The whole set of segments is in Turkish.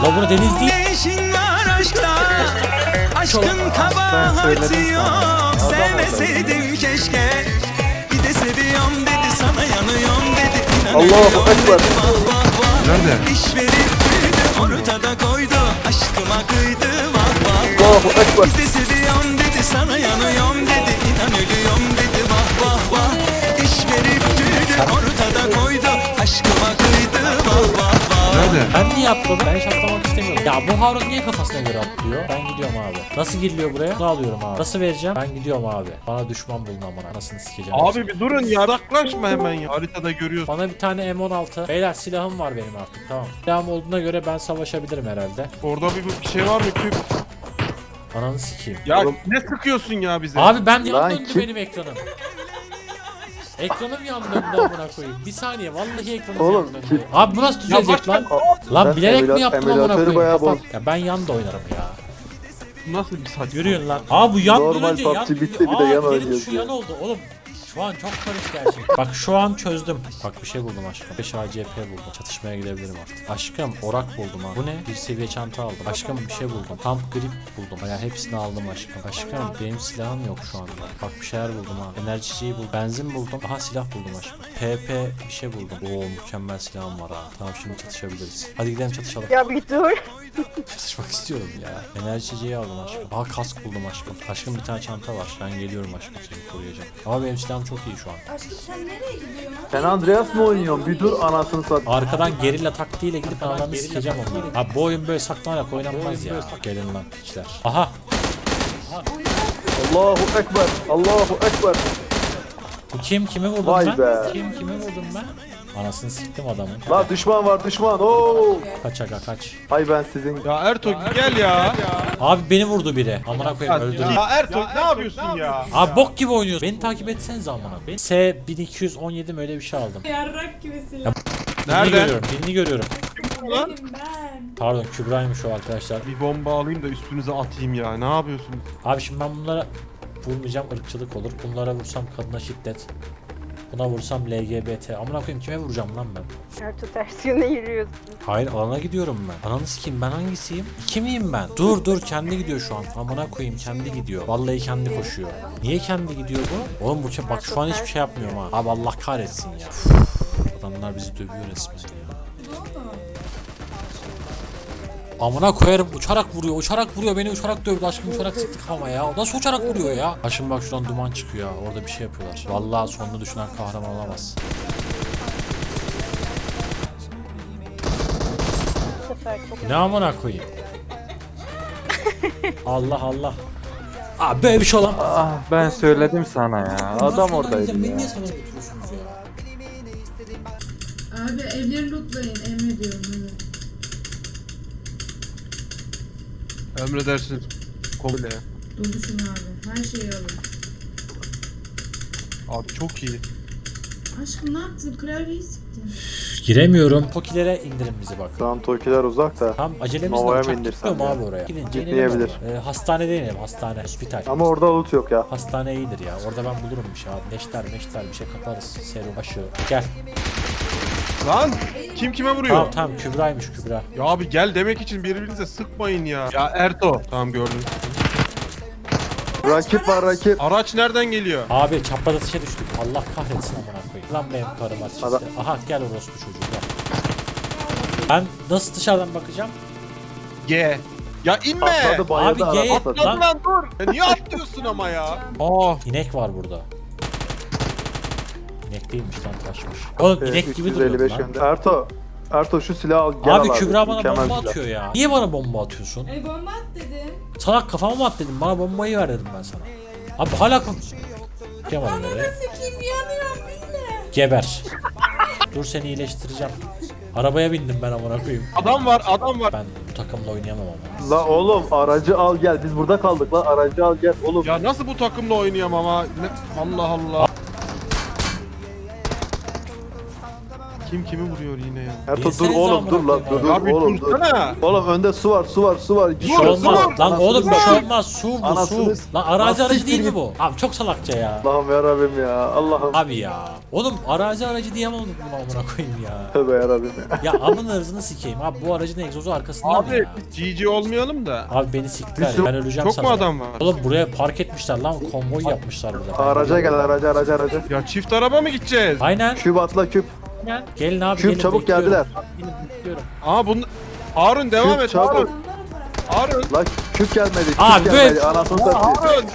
La bura deniz değil. Eşin var aşkta, aşkın kabahati yok. Sevmeseydim keşke. Bir de seviyorum dedi, sana yanıyorum dedi. Allahu Ekber. Nerede? İş verip büyüdü, ortada koydu. Aşkıma kıydı, vah vah. Allahu Ekber. Bir de seviyorum dedi, sana yanıyorum dedi. İnan ölüyorum dedi, vah vah vah. İş verip büyüdü, ortada koydu. Aşkıma kıydı, vah vah vah. Nerede? Ben niye atladım? Ben hiç atlamak istemiyorum. Ya bu Harun niye kafasına göre atlıyor? Ben gidiyorum abi. Nasıl giriliyor buraya? Bunu alıyorum abi. Nasıl vereceğim? Ben gidiyorum abi. Bana düşman bulun amına. Anasını sikeceğim. Abi bir durun ya, yaklaşma hemen ya. Haritada görüyorsun. Bana bir tane M16. Beyler silahım var benim artık, tamam. Silahım olduğuna göre ben savaşabilirim herhalde. Orada bir şey var mı ki? Ananı sikeyim. Ya Oğlum. ne sıkıyorsun ya bize? Abi ben yan Lan döndü kim- benim ekranım. Ekranım yan döndü amına koyayım. Bir saniye vallahi ekranım Oğlum, yan döndü. kim- Abi bu nasıl düzelecek başka- lan? Lan Ben bilerek mi yaptım amına emülatörü koyayım? bayağı Kapat. bozdum. Ya ben yan da oynarım ya. Nasıl bir saçma? Yürüyün lan. Aa bu yan Normal dönünce yan PUBG bitti, gidiyor. bir de yan Aa, oynuyoruz şu ya. yan oldu oğlum. Şu an çok karışık gerçekten. Bak şu an çözdüm. Bak bir şey buldum aşkım. 5 ACP buldum. Çatışmaya gidebilirim artık. Aşkım orak buldum ha. Bu ne? Bir seviye çanta aldım. Aşkım bir şey buldum. Pump grip buldum. Yani hepsini aldım aşkım. Aşkım benim silahım yok şu anda. Bak bir şeyler buldum ha. Enerjiciyi buldum. Benzin buldum. Aha silah buldum aşkım. PP bir şey buldum. Oo mükemmel silahım var ha. Tamam şimdi çatışabiliriz. Hadi gidelim çatışalım. Ya bir dur. Çatışmak istiyorum ya. Enerjiciyi aldım aşkım. Aha kask buldum aşkım. Aşkım bir tane çanta var. Ben geliyorum aşkım seni koruyacağım. Ama benim silahım çok iyi şu an. Aşkım sen nereye gidiyorsun? Sen Andreas mı oynuyorsun? Bir dur anasını sat. Arkadan gerilla taktiğiyle gidip analarını sikeceğim onları. Abi bu oyun böyle saklanarak oynanmaz ya. Gelin lan piçler. Aha. Allahu Ekber. Allahu Ekber. Bu kim? Kimi vurdum Vay ben? be. Kimi vurdum ben? Anasını siktim adamın. La düşman var düşman. Oo. Kaç aga kaç. Hay ben sizin. Ya Ertuğ gel ya. Abi beni vurdu biri. Amına koyayım öldüreyim. Ya Ertuğ ne yapıyorsun ya? Abi bok gibi oynuyorsun. Beni takip etsenize amına. Ben S1217 mi öyle bir şey aldım. Yarrak gibi silah. Birini Nerede? görüyorum. Birini görüyorum. Lan? Benim ben. Pardon Kübra'ymış o arkadaşlar. Bir bomba alayım da üstünüze atayım ya. Ne yapıyorsun? Abi şimdi ben bunlara vurmayacağım, ırkçılık olur. Bunlara vursam kadına şiddet. Buna vursam LGBT. Amına koyayım kime vuracağım lan ben? Ertuğ ters yöne yürüyorsun. Hayır alana gidiyorum ben. Ananı sikeyim ben hangisiyim? İki miyim ben? Dur kendi gidiyor şu an. Amına koyayım kendi gidiyor. Vallahi kendi koşuyor. Niye kendi gidiyor bu? Oğlum bu bak şu an hiçbir şey yapmıyorum ha. Abi Allah kahretsin ya. Üf, adamlar bizi dövüyor resmen ya. Amına koyarım uçarak vuruyor beni uçarak dövdü aşkım uçarak sıktık ama ya o nasıl uçarak vuruyor ya. Aşkım bak şuradan duman çıkıyor ya orada bir şey yapıyorlar. Vallahi sonunu düşünen kahraman olamaz. Bu sefer çok Ne amına koyayım. Allah Allah. Abi böyle bir şey olamaz. Ah ben söyledim sana ya. Adam oradaydı ya. Beni niye sana götürüyorsunuz ya? Abi evleri lootlayın emrediyorum. Evet. Emredersin. Komple. Doluşun abi. Her şeyi alın. Abi çok iyi. Aşkım ne yaptın? Klavyeyi sıktın. Giremiyorum. Tokilere indirin bizi bak. Şu an Tokiler uzak da. Tam acelemizle Nova'ya uçak mı indirsem gitmiyor mu ya? abi oraya? Gidince Gitmeyebilir. inelim abi. Hastanede inelim hastane. Hospital. Ama orada loot yok ya. Hastane iyidir ya. Orada ben bulurum bir şey abi. Neşter bir şey kaparız. Serum aşı. Gel. Lan kim kime vuruyor? Tamam Kübra'ymış Kübra. Ya abi gel demek için birbirinize sıkmayın ya. Ya Erto. Tamam gördüm. Rakip var rakip. Araç nereden geliyor? Abi çapraz atışa düştük. Allah kahretsin amına koyayım. Lan benim karım açıkçası. Adam- Aha gel orospu çocuğu gel. Ben nasıl dışarıdan bakacağım? G. Ya inme. Atladı bayıldı Abi, araba G- atladı. Lan lan dur. Ya niye atlıyorsun ama ya? Aa. İnek var burada. İnek değilmiş lan taşmış. Oğlum inek gibi duruyor 355 lan. yönde. Erto şu silahı al gel Abi al Kübra bana Mükemmel bomba silah. atıyor ya. Niye bana bomba atıyorsun? Bomba at dedim. Salak kafama mı at dedim. Bana bombayı ver dedim ben sana. Abi hala Yapamadım nereye. Sikiyim yanıyorum bile. Geber. Dur seni iyileştireceğim. Arabaya bindim ben amına koyayım. Adam var. Ben bu takımla oynayamam ama. La oğlum aracı al gel. Biz burada kaldık la aracı al gel oğlum. Ya nasıl bu takımla oynayamam ama? Allah Allah. Kim kimi vuruyor yine ya? Ertuğ dur Bilsenize oğlum amına dur lan koyayım dur Abi oğlum dur. dursana. Oğlum önde su var su var su var. Bir şey olmaz. Lan Anasını oğlum bir şey satayım. olmaz. Su bu su. Anasını- Lan arazi Lan aracı siktir değil mi git. bu? Abi çok salakça ya. Allah'ım yarabbim ya Allah'ım. Abi ya. Oğlum arazi aracı diyemem bunu amına koyayım ya. Tövbe yarabbim ya. Ya amın hırzını sikeyim. Abi bu aracın egzozu arkasında mı Abi ya? GG olmayalım da. Abi beni siktiler. Bir sürü- Ben öleceğim Çok sana. mu adam var? Oğlum buraya park etmişler lan. Konvoy yapmışlar burada. Araca gel araca. Ya çift araba mı gideceğiz? Aynen. Küp atla küp. Gelin abi Küp gelin. çabuk bekliyorum. geldiler. Aa bunu... Harun devam Küp et çabuk. Harun. Harun. Lan küp gelmedi. Küp Abi, gelmedi. evet. Anasını satayım. Harun.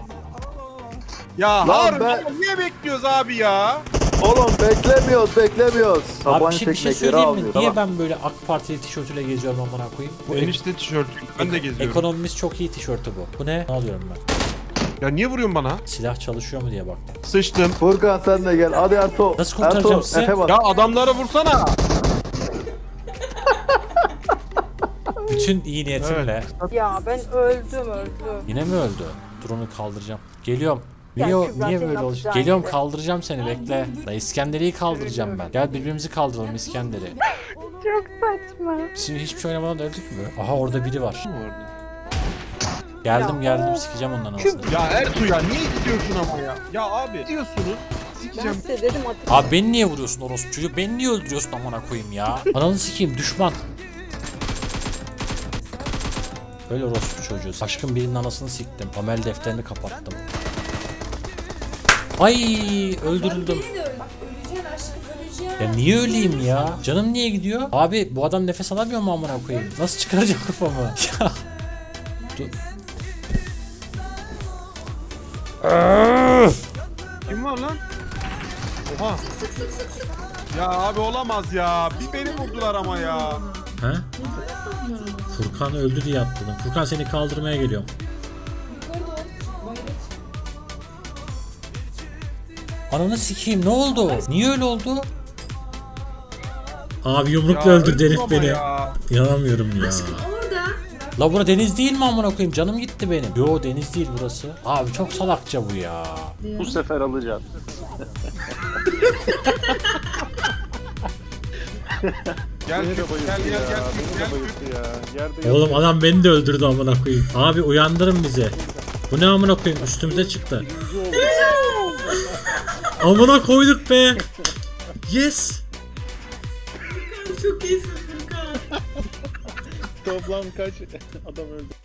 Ya Lan Harun ben- ya niye bekliyoruz abi ya? Oğlum beklemiyoruz. Abi Tabanca şimdi bir şey teknekleri söyleyeyim mi? almıyor. Niye Tamam. ben böyle AK Partili tişörtüyle geziyorum amına koyayım? Bu Enişte tişörtü. Ben de geziyorum. ekonomimiz çok iyi tişörtü bu. Bu ne? Ne alıyorum ben? Ya niye vuruyorsun bana? Silah çalışıyor mu diye baktım. Sıçtım. Furkan sen de gel. Hadi Ertuğ. Nasıl kurtaracağım sizi? Efe bak. Ya adamları vursana. Bütün iyi niyetimle. Ya ben öldüm. Yine mi öldü? Dur onu kaldıracağım. Geliyorum. Ya Niye, Kübra, niye senin böyle olacak? yapacağın Geliyorum gibi. kaldıracağım seni bekle. La İskenderi'yi kaldıracağım ben. Gel birbirimizi kaldıralım İskender'i. Çok saçma. Şimdi hiçbir şey oynamadan da öldük mü? Aha orada biri var. Geldim sikeceğim ondan anasını. Ya Ertuğ ya niye gidiyorsun ama ya? Ya abi gidiyorsunuz. Ben Sikeceğim. size dedim atın. Abi beni niye vuruyorsun orospu çocuğu? Beni niye öldürüyorsun amına koyayım ya? Ananı sikeyim düşman. Öyle orospu çocuğu. Aşkın birinin anasını siktim. Amel defterini kapattım. Ay öldürüldüm. Beni de öleceksin aşkım öleceğim. Ya niye öleyim ya? Canım niye gidiyor? Abi bu adam nefes alamıyor mu amına koyayım? Nasıl çıkaracağım kafamı? Ya. Dur. Kim var lan? Oha. Ya abi olamaz ya. Bir beni vurdular ama ya. Ha? Furkan öldü diye atladım. Furkan seni kaldırmaya geliyorum. Ananı sikeyim ne oldu? Niye öyle oldu? Abi yumrukla Ya öldürdü herif ama beni. ya. İnanamıyorum ya. Orada. La bura deniz değil mi amına koyayım? Canım gitti benim. Yo deniz değil burası. Abi çok salakça bu ya. Bu sefer alacağım. Gel gel. Oğlum adam beni de öldürdü amına koyayım. Abi uyandırın bizi. Bu ne amına koyayım? Üstümüze çıktı. Amına koyduk be. Yes. Çok iyisin Furkan. Toplam kaç adam öldü?